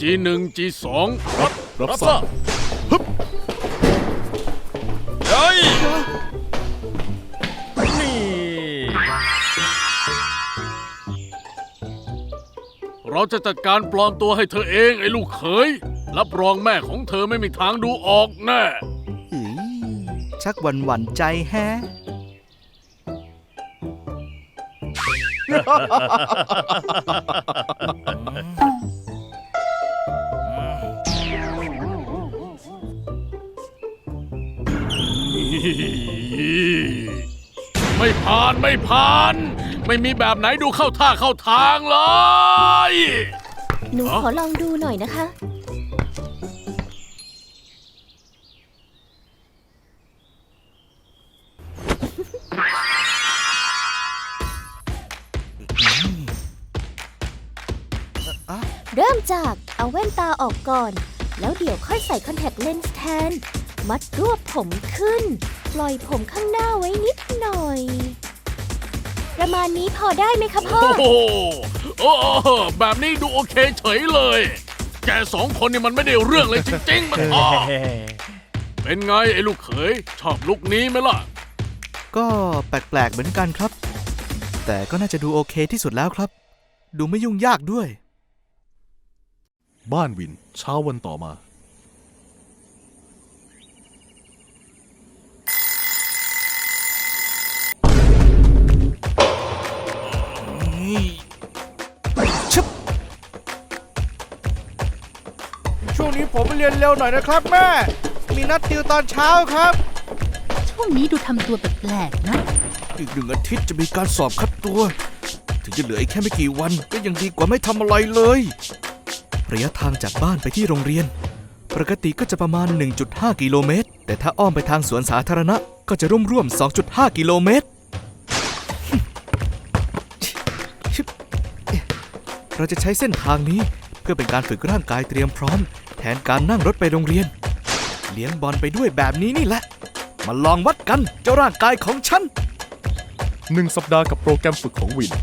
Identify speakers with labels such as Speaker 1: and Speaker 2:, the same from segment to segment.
Speaker 1: G1 G2
Speaker 2: รับทราบฮึบเฮ้ยนี่
Speaker 1: เราจะจัดการปลอมตัวให้เธอเองไอ้ลูกเขยรับรองแม่ของเธอไม่มีทางดูออกแน่
Speaker 3: ชักหวั่นใจแฮะ
Speaker 1: ไม่ผ่านไม่มีแบบไหนดูเข้าท่าเข้าทางเลย
Speaker 4: หนูขอลองดูหน่อยนะคะ เริ่มจากเอาแว่นตาออกก่อน แล้วเดี๋ยวค่อยใส่คอนแทคเลนส์แทน มัดรวบผมขึ้น ปล่อยผมข้างหน้าไว้นิดหน่อย ประมาณนี้พอได้ไหมคะพ่อ
Speaker 1: โอ้โหแบบนี้ดูโอเคเฉยเลย แกสองคนนี่มันไม่ได้เรื่องเลยจริงๆมันเป็นไงไอ้ลูกเขยชอบลุคนี้ไหมล่ะ
Speaker 3: ก็แปลกๆเหมือนกันครับ แต่ก็น่าจะดูโอเคที่สุดแล้วครับ ดูไม่ยุ่งยากด้วย
Speaker 2: บ้านวินเช้าวันต่อมา
Speaker 3: ช่วงนี้ผมไปเรียนเร็วหน่อยนะครับแม่ มีนัดติวตอนเช้าครับ
Speaker 5: ช่วงนี้ดูทำตัวแปลกๆนะ
Speaker 3: อีก1 อาทิตย์จะมีการสอบคัดตัว ถึงจะเหลืออีกแค่ไม่กี่วันก็ยังดีกว่าไม่ทำอะไรเลย ระยะทางจากบ้านไปที่โรงเรียน ปกติก็จะประมาณ 1.5 กิโลเมตร แต่ถ้าอ้อมไปทางสวนสาธารณะก็จะร่วม 2.5 กิโลเมตร เราจะใช้เส้นทางนี้เพื่อเป็นการฝึกร่างกายเตรียมพร้อม แทนการนั่งรถไปโรงเรียน เลี้ยงบอลไปด้วยแบบนี้นี่แหละ มาลองวัดกันเจ้าร่างกายของฉัน
Speaker 2: 1 สัปดาห์กับโปรแกรมฝึกของวิน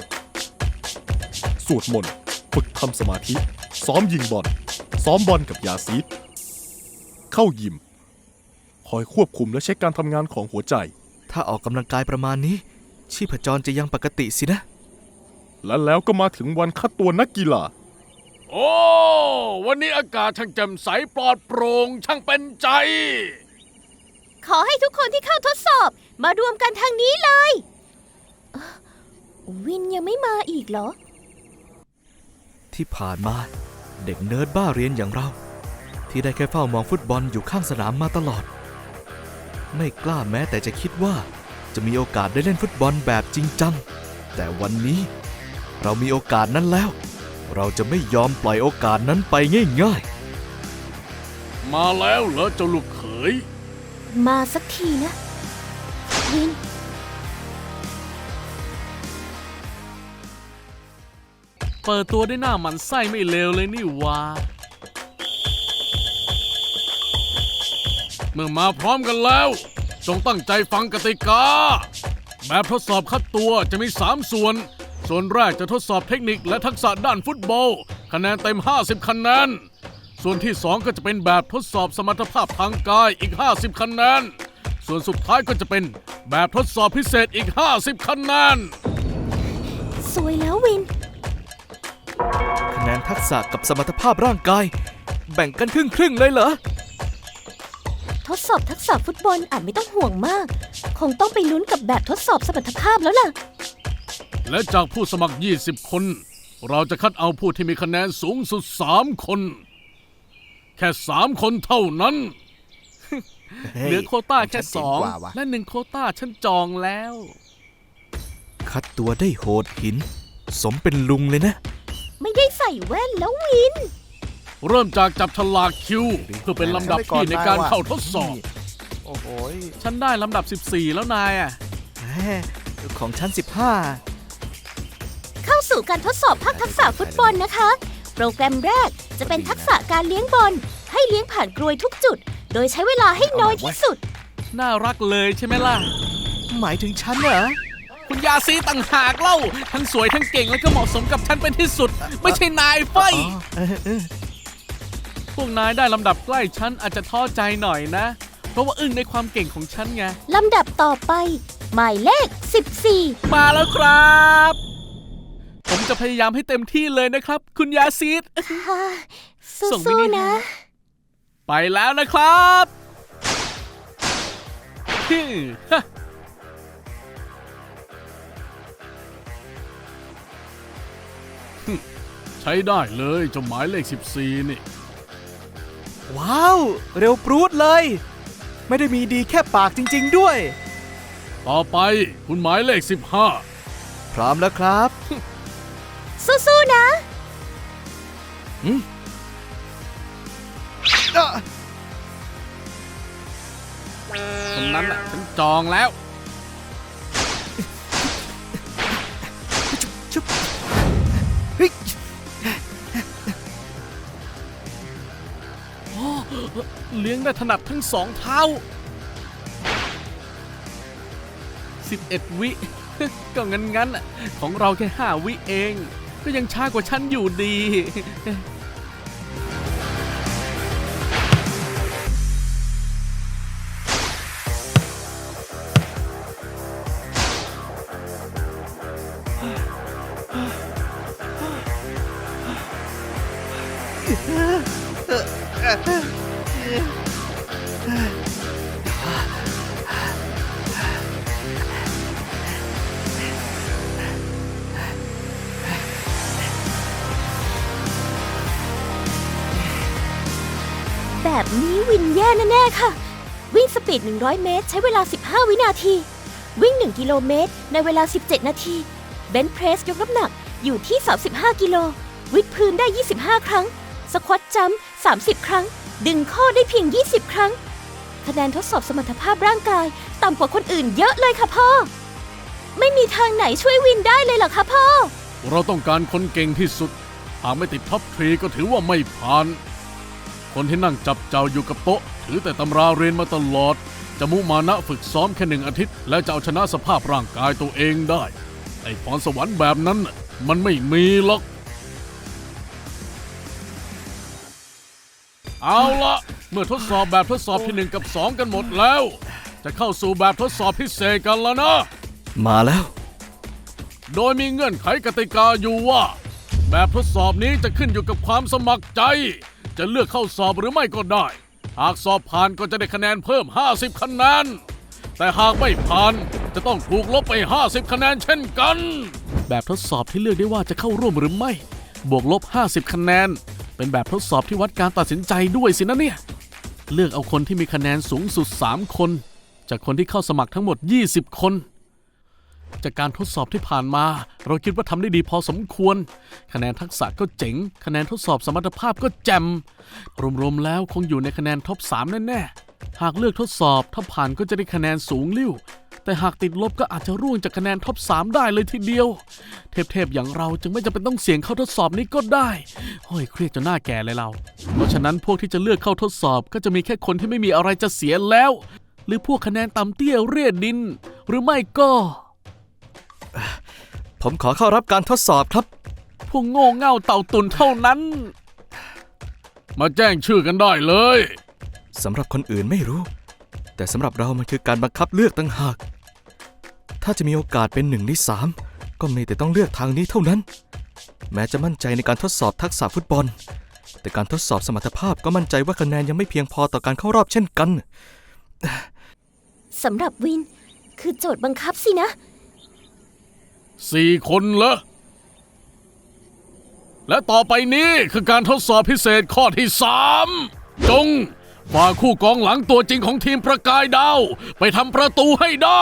Speaker 2: สวดมนต์ฝึกทำสมาธิ ซ้อมยิงบอล ซ้อมบอลกับยาซีด เข้ายิม คอยควบคุมและเช็คการทำงานของหัวใจ
Speaker 3: ถ้าออกกำลังกายประมาณนี้ ชีพจรจะยังปกติสินะ
Speaker 2: และแล้วก็มาถึงวันคัดตัวนักกีฬา
Speaker 1: โอ้วันนี้อากาศช่างแจ่มใสปลอดโปร่งช่างเป็นใจ
Speaker 4: ขอให้ทุกคนที่เข้าทดสอบมารวมกันทางนี้เลยวินยังไม่มาอีกเหรอ
Speaker 3: ที่ผ่านมาเด็กเนิร์ดบ้าเรียนอย่างเรา ที่ได้แค่เฝ้ามองฟุตบอลอยู่ข้างสนามมาตลอด ไม่กล้าแม้แต่จะคิดว่าจะมีโอกาสได้เล่นฟุตบอลแบบจริงจัง แต่วันนี้เรามีโอกาสนั้นแล้ว เราจะไม่ยอมปล่อยโอกาสนั้นไปง่าย
Speaker 1: มาแล้วเหรอเจ้าลูกเขย
Speaker 4: มาสักทีนะ วิน
Speaker 1: เปิดตัวได้หน้าหมันไส้ไม่เลวเลยนี่วะเมื่อมาพร้อมกันแล้วจงตั้งใจฟังกติกาแบบทดสอบคัดตัวจะมี3 ส่วนแรกจะทดสอบเทคนิคและทักษะด้านฟุตบอลคะแนนเต็ม50คะแนนส่วนที่2ก็จะเป็นแบบทดสอบสมรรถภาพทางกายอีก50คะแนนส่วนสุดท้ายก็จะเป็นแบบทดสอบพิเศษอีก50คะแนน
Speaker 4: สวยแล้ววิน
Speaker 3: ๆ คะแนนทักษะกับสมรรถภาพร่างกาย แบ่งกันครึ่งๆเลยเหรอ
Speaker 4: ทดสอบทักษะฟุตบอลอาจไม่ต้องห่วงมาก คงต้องไปลุ้นกับแบบทดสอบสมรรถภาพแล้วล่ะ
Speaker 1: และจากผู้สมัคร20 คน เราจะคัดเอาผู้ที่มีคะแนนสูงสุด3 คน แค่3 คนเท่านั้น เหลือโควต้าแค่2และ1 โควต้าฉันจองแล้ว
Speaker 3: คัดตัวได้โหดหิน สมเป็นลุงเลยนะ
Speaker 4: ไม่ได้ใส่แว่นแล้ววิน
Speaker 1: เริ่มจากจับฉลากคิว เพื่อเป็นลำดับที่ในการเข้าทดสอบ
Speaker 3: โอ้โห
Speaker 1: ฉันได้ลำดับ14แล้วนายอ่ะ
Speaker 3: ของชั้น
Speaker 4: เข้าสู่การทดสอบภาคทักษะฟุตบอลนะคะ โปรแกรมแรกจะเป็นทักษะการเลี้ยงบอล ให้เลี้ยงผ่านกรวยทุกจุด โดยใช้เวลาให้น้อยที่สุด
Speaker 1: น่ารักเลยใช่ไหมล่ะ
Speaker 3: 15 หมายถึงฉันเหรอ
Speaker 1: คุณยาซีต่างหากเล่า ทั้งสวยทั้งเก่งและก็เหมาะสมกับฉันเป็นที่สุด ไม่ใช่นายเฟ้ยพวกนายได้ลำดับใกล้ฉันอาจจะท้อใจหน่อยนะ เพราะว่าอึ้งในความเก่งของฉันไง
Speaker 4: ลำดับต่อไป หมายเลข 14
Speaker 1: มาแล้วครับ ผมจะพยายามให้เต็มที่เลยนะครับ คุณยาซีด
Speaker 4: ค่ะ
Speaker 1: ส่งมิ
Speaker 4: สู้
Speaker 1: นิ
Speaker 4: ๆนะ
Speaker 1: ไปแล้วนะครับฮึ่มฮะใช้ได้เลยเจ้าหมายเลข 14 นี่
Speaker 3: ว้าว เร็วปรูดเลย ไม่ได้มีดีแค่ปากจริงๆด้วย
Speaker 1: ต่อไปคุณหมายเลข
Speaker 3: พร้อมแล้วครับ
Speaker 4: สู้ๆนะ
Speaker 1: 15คนนั้นน่ะฉันจองแล้ว
Speaker 3: ชุบเฮ้ย
Speaker 1: เลี้ยงได้ถนัดทั้งสองเท้า 11 วิ ก็งั้นๆน่ะของเราแค่ 5 วิเอง ก็ยังช้ากว่าฉันอยู่ดี
Speaker 4: แบบนี้วินแย่แน่ๆค่ะ วิ่งสปีด 100 เมตร ใช้เวลา 15 วินาที วิ่ง 1 กิโลเมตร ในเวลา 17 นาที เบนช์เพรสยกน้ำหนักอยู่ที่ 35 กิโล วิดพื้นได้ 25 ครั้ง สควอตจัมป์ 30 ครั้ง ดึงข้อได้เพียง 20 ครั้ง คะแนนทดสอบสมรรถภาพร่างกาย ต่ำกว่าคนอื่นเยอะเลยค่ะพ่อ ไม่มีทางไหนช่วยวินได้เลยเหรอคะพ่อ
Speaker 1: เราต้องการคนเก่งที่สุด หากไม่ติดท็อปทรีก็ถือว่าไม่ผ่าน คนที่นั่งจับเจ้าอยู่กับโต๊ะ ถือแต่ตำราเรียนมาตลอด จะมุมานะฝึกซ้อมแค่1 อาทิตย์ แล้วจะเอาชนะสภาพร่างกายตัวเองได้ ไอ้พรสวรรค์แบบนั้นน่ะมันไม่มีหรอก เอาละเมื่อทดสอบแบบทดสอบที่ 1 กับ 2 กันหมดแล้ว จะเข้าสู่แบบทดสอบพิเศษกันแล้วนะ
Speaker 3: มาแล้ว
Speaker 1: โดยมีเงื่อนไขกติกาอยู่ว่า แบบทดสอบนี้จะขึ้นอยู่กับความสมัครใจ จะเลือกเข้าสอบหรือไม่ก็ได้ หากสอบผ่านก็จะได้คะแนนเพิ่ม 50 คะแนน แต่หากไม่ผ่านจะต้องถูกลบไป 50 คะแนนเช่นกัน แบบทดสอบที่เลือกได้ว่าจะเข้าร่วมหรือไม่ บวกลบ 50 คะแนน เป็นแบบทดสอบที่วัดการตัดสินใจด้วยสินะเนี่ย เลือกเอาคนที่มีคะแนนสูงสุด 3 คน จากคนที่เข้าสมัครทั้งหมด 20 คน จากการทดสอบที่ผ่านมา เราคิดว่าทำได้ดีพอสมควร คะแนนทักษะก็เจ๋ง คะแนนทดสอบสมรรถภาพก็แจ่มรวมๆแล้วคงอยู่ในคะแนนท็อป 3 แน่ๆ หากเลือกทดสอบถ้าผ่านก็จะได้คะแนนสูงลิ่ว แต่หากติดลบก็อาจจะร่วงจากคะแนนท็อป 3 ได้เลยทีเดียว เทพๆอย่างเราจึงไม่จำเป็นต้องเสี่ยงเข้าทดสอบนี้ก็ได้โอ้ยเครียดจนหน้าแก่เลยเรา เพราะฉะนั้นพวกที่จะเลือกเข้าทดสอบก็จะมีแค่คนที่ไม่มีอะไรจะเสียแล้ว หรือพวกคะแนนต่ำเตี้ยเรียดดิน หรือไม่ก็
Speaker 3: ผมขอเข้ารับการทดสอบครับ
Speaker 1: พวกโง่เง่าเต่าตุนเท่านั้น มาแจ้งชื่อกันได้เลย
Speaker 3: สำหรับคนอื่นไม่รู้ แต่สำหรับเรามันคือการบังคับเลือกต่างหาก ถ้าจะมีโอกาสเป็น1 ใน 3 ก็มีแต่ต้องเลือกทางนี้เท่านั้น แม้จะมั่นใจในการทดสอบทักษะฟุตบอล แต่การทดสอบสมรรถภาพก็มั่นใจว่าคะแนนยังไม่เพียงพอต่อการเข้ารอบเช่นกัน
Speaker 4: สำหรับวิน คือโจทย์บังคับสินะ
Speaker 1: 4 คนเหรอ และต่อไปนี้คือการทดสอบพิเศษข้อที่ 3 จงฝากคู่กองหลังตัวจริงของทีมประกายดาว ไปทำประตูให้ได้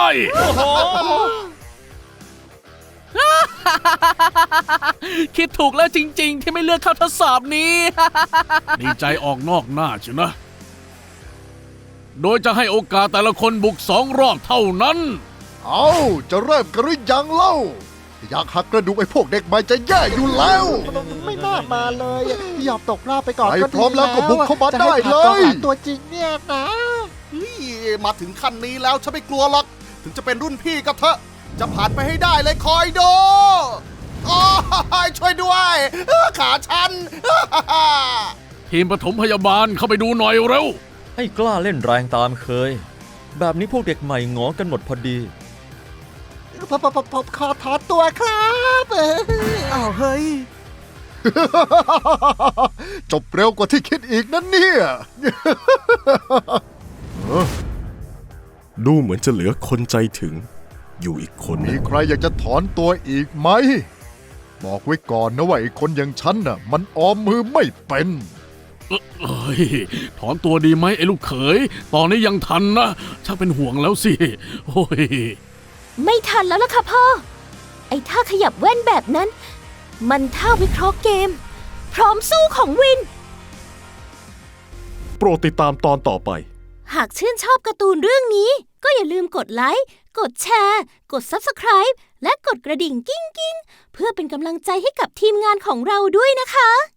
Speaker 1: คิดถูกแล้วจริงๆ ที่ไม่เลือกเข้าทดสอบนี้ ดีใจออกนอกหน้าเชียวนะ โดยจะให้โอกาสแต่ละคนบุก2 รอบเท่านั้น
Speaker 6: เอาจะเริ่มกันหรือยังเล่า อยากหักกระดูกไอ้พวกเด็กใหม่จะแย่อยู่แล้ว
Speaker 7: ไม่น่ามาเลยยอมตกรอบไปก่อน
Speaker 6: ไป
Speaker 7: ก็
Speaker 6: พร้อมแล้วก็บุกเข้ามา
Speaker 7: จะให้
Speaker 6: ได้เลย
Speaker 7: ผ่านกองหลังตัวจริงเนี่ยนะ
Speaker 8: เฮ้ยมาถึงขั้นนี้แล้วฉันไม่กลัวหรอก ถึงจะเป็นรุ่นพี่ก็เถอะ จะผ่านไปให้ได้เลยคอยดูโอ้ยช่วยด้วยขาฉัน
Speaker 1: เทีมปฐมพยาบาลเข้าไปดูหน่อยเร็ว
Speaker 9: ให้กล้าเล่นแรงตามเคย แบบนี้พวกเด็กใหม่หงอกันหมดพอดี
Speaker 7: ผมขอถอนตัวครับอ้าวเฮ้ย
Speaker 6: จบเร็วกว่าที่คิดอีกนั่นเนี่ย
Speaker 2: ดูเหมือนจะเหลือคนใจถึง อยู่อีกคน
Speaker 6: มี
Speaker 2: นะ
Speaker 6: ใครอยากจะถอนตัวอีกไหม บอกไว้ก่อนนะว่าไอ้คนอย่างฉันน่ะ มันออมมือไม่เป็น
Speaker 1: เอ้ยถอนตัวดีไหมไอ้ลูกเขย ตอนนี้ยังทันนะชักเป็นห่วงแล้วสิ โอ้ย
Speaker 4: ไม่ทันแล้วล่ะค่ะพ่อ ไอ้ท่าขยับแว่นแบบนั้น มันท่าวิเคราะห์เกม พร้อมสู้ของวิน
Speaker 2: โปรดติดตามตอนต่อไป
Speaker 4: หากชื่นชอบการ์ตูนเรื่องนี้ ก็อย่าลืมกดไลค์ กดแชร์ กด Subscribe และกดกระดิ่งกิ้งๆ เพื่อเป็นกำลังใจให้กับทีมงานของเราด้วยนะคะ